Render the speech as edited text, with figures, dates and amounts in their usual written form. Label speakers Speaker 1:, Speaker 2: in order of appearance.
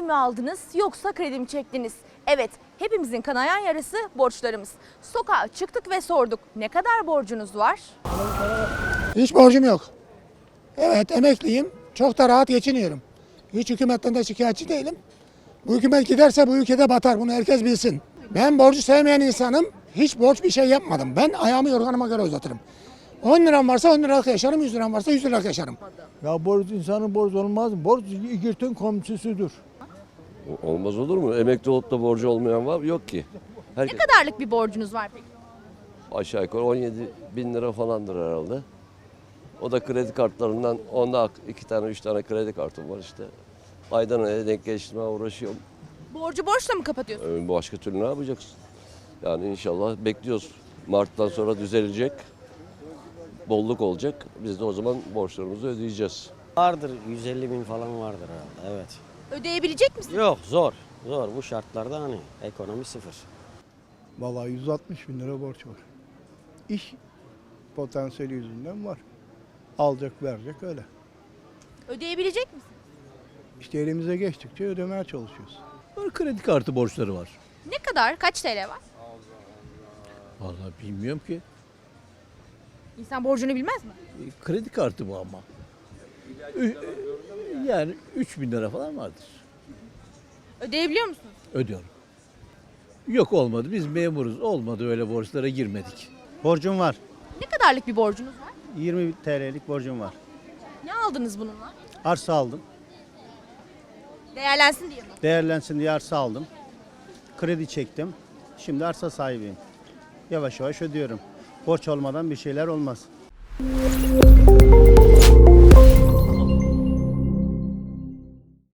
Speaker 1: ev mi aldınız yoksa kredi mi çektiniz? Evet, hepimizin kanayan yarası borçlarımız. Sokağa çıktık ve sorduk. Ne kadar borcunuz var?
Speaker 2: Hiç borcum yok. Evet, emekliyim. Çok da rahat geçiniyorum. Hiç hükümetten de şikayetçi değilim. Bu hükümet giderse bu ülkede batar. Bunu herkes bilsin. Ben borcu sevmeyen insanım. Hiç borç bir şey yapmadım. Ben ayağımı yorganıma göre uzatırım. 10 liram varsa 10 liralık yaşarım, 100 liram varsa 100 liralık yaşarım.
Speaker 3: Ya borç insanın borç olmaz mı? Borç İgirt'in komşusudur.
Speaker 4: Olmaz olur mu? Emekli olup da borcu olmayan var yok ki.
Speaker 1: Ne kadarlık bir borcunuz var peki?
Speaker 4: Aşağı yukarı 17 bin lira falandır herhalde. O da kredi kartlarından, onda 2 tane 3 tane kredi kartım var işte. Aydan aya denk geçtirmeye uğraşıyorum.
Speaker 1: Borcu borçla mı kapatıyorsunuz?
Speaker 4: Başka türlü ne yapacaksın? Yani inşallah bekliyoruz. Mart'tan sonra düzelecek. Bolluk olacak. Biz de o zaman borçlarımızı ödeyeceğiz.
Speaker 5: Vardır, 150 bin falan vardır herhalde, evet.
Speaker 1: Ödeyebilecek misiniz?
Speaker 5: Yok, zor. Zor bu şartlarda hani ekonomi sıfır.
Speaker 3: Vallahi 160 bin lira borç var. İş potansiyeli yüzünden var. Alacak verecek öyle.
Speaker 1: Ödeyebilecek misiniz?
Speaker 3: İşte elimize geçtikçe ödemeye çalışıyoruz.
Speaker 6: Kredi kartı borçları var.
Speaker 1: Ne kadar? Kaç TL var?
Speaker 6: Vallahi bilmiyorum ki.
Speaker 1: İnsan borcunu bilmez mi?
Speaker 6: Kredi kartı bu ama. Yani 3 bin lira falan vardır.
Speaker 1: Ödeyebiliyor musunuz?
Speaker 6: Ödüyorum. Yok olmadı. Biz memuruz. Olmadı öyle borçlara girmedik.
Speaker 7: Borcum var.
Speaker 1: Ne kadarlık bir borcunuz var?
Speaker 7: 20 TL'lik borcum var.
Speaker 1: Ne aldınız bununla?
Speaker 7: Arsa aldım.
Speaker 1: Değerlensin diye mi?
Speaker 7: Değerlensin diye arsa aldım. Kredi çektim. Şimdi arsa sahibiyim. Yavaş yavaş ödüyorum. Borç olmadan bir şeyler olmaz.